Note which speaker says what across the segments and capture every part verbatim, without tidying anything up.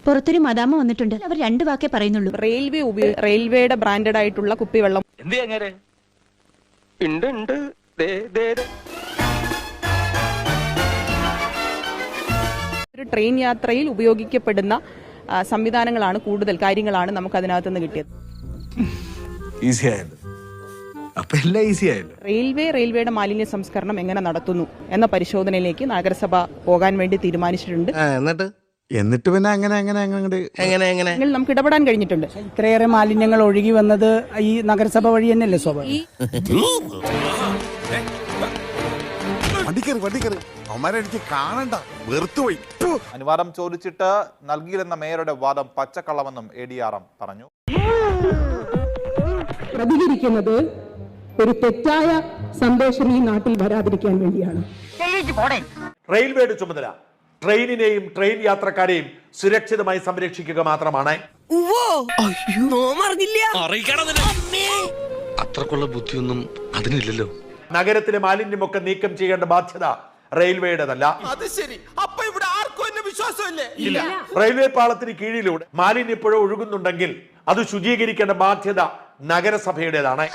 Speaker 1: പുറത്തൊരു മദാമ വന്നിട്ടുണ്ട്. അവർ രണ്ട് വാക്കേ പറയുന്നുള്ളൂ.
Speaker 2: റെയിൽവേ റെയിൽവേയുടെ ബ്രാൻഡഡ് ആയിട്ടുള്ള കുപ്പിവെള്ളം ഒരു ട്രെയിൻ യാത്രയിൽ ഉപയോഗിക്കപ്പെടുന്ന സംവിധാനങ്ങളാണ്, കൂടുതൽ കാര്യങ്ങളാണ് നമുക്ക് അതിനകത്ത് നിന്ന് കിട്ടിയത്. റെയിൽവേ റെയിൽവേയുടെ മാലിന്യ സംസ്കരണം എങ്ങനെ നടത്തുന്നു എന്ന പരിശോധനയിലേക്ക് നഗരസഭ പോകാൻ വേണ്ടി തീരുമാനിച്ചിട്ടുണ്ട്.
Speaker 3: എന്നിട്ട്
Speaker 4: എന്നിട്ട് പിന്നെ അങ്ങനെ അങ്ങനെ അങ്ങനെ
Speaker 3: എങ്ങനെ എങ്ങനെ
Speaker 2: നമുക്ക് ഇടപെടാൻ കഴിഞ്ഞിട്ടുണ്ട്.
Speaker 5: ഇത്രയേറെ മാലിന്യങ്ങൾ ഒഴുകി വന്നത് ഈ നഗരസഭ വഴി തന്നെയല്ലേ സ്വാഭാവികം.
Speaker 6: അനുവാദം ചോദിച്ചിട്ട് നൽകിയില്ലെന്ന മേയറുടെ വാദം പച്ചക്കള്ളമെന്നും എ ഡി ആർ എം പറഞ്ഞു.
Speaker 7: പ്രതികരിക്കുന്നത് ഒരു തെറ്റായ സന്ദേശം ഈ നാട്ടിൽ വരാതിരിക്കാൻ വേണ്ടിയാണ്.
Speaker 8: റെയിൽവേയുടെ ചുമതല ട്രെയിനിനെയും ട്രെയിൻ യാത്രക്കാരെയും സുരക്ഷിതമായി സംരക്ഷിക്കുക മാത്രമാണ്.
Speaker 3: അത്രക്കുള്ള ബുദ്ധിയൊന്നും അതിനില്ലല്ലോ.
Speaker 8: നഗരത്തിലെ മാലിന്യമൊക്കെ നീക്കം ചെയ്യേണ്ട ബാധ്യത റെയിൽവേയുടേതല്ല. റെയിൽവേ പാളത്തിന് കീഴിലൂടെ മാലിന്യപ്പുഴ ഒഴുകുന്നുണ്ടെങ്കിൽ അത് ശുചീകരിക്കേണ്ട ബാധ്യത നഗരസഭയുടേതാണ്.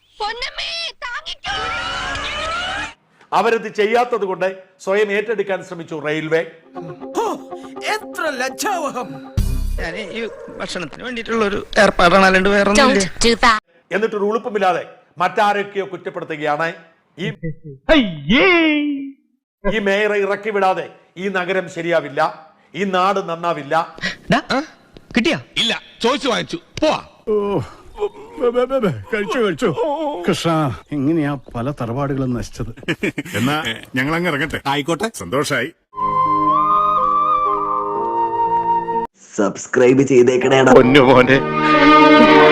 Speaker 8: അവരത് ചെയ്യാത്തത് കൊണ്ട് സ്വയം ഏറ്റെടുക്കാൻ ശ്രമിച്ചു റെയിൽവേ.
Speaker 3: എത്ര ലജ്ജാവഹം! ഭക്ഷണത്തിന് വേണ്ടിയിട്ടുള്ള ഒരു ഏർപ്പാടാണ്, വേറെ
Speaker 8: എന്നിട്ടൊരു ഉളുപ്പമില്ലാതെ മറ്റാരൊക്കെയോ കുറ്റപ്പെടുത്തുകയാണ്. ഈ ഈ മേയറെ ഇറക്കി വിടാതെ ഈ നഗരം ശരിയാവില്ല, ഈ നാട് നന്നാവില്ല.
Speaker 3: കിട്ടിയാ ഇല്ല, ചോദിച്ചു വാങ്ങിച്ചു പോവാ.
Speaker 4: കഴിച്ചു കഴിച്ചു. കൃഷ്ണ, എങ്ങനെയാ പല തറവാടുകളും നശിച്ചത്.
Speaker 9: എന്നാ ഞങ്ങൾ അങ്ങ് ഇറങ്ങട്ടെ.
Speaker 4: ആയിക്കോട്ടെ,
Speaker 9: സന്തോഷായി.
Speaker 10: സബ്സ്ക്രൈബ് ചെയ്തേക്കണേടാ
Speaker 3: പൊന്നു മോനെ.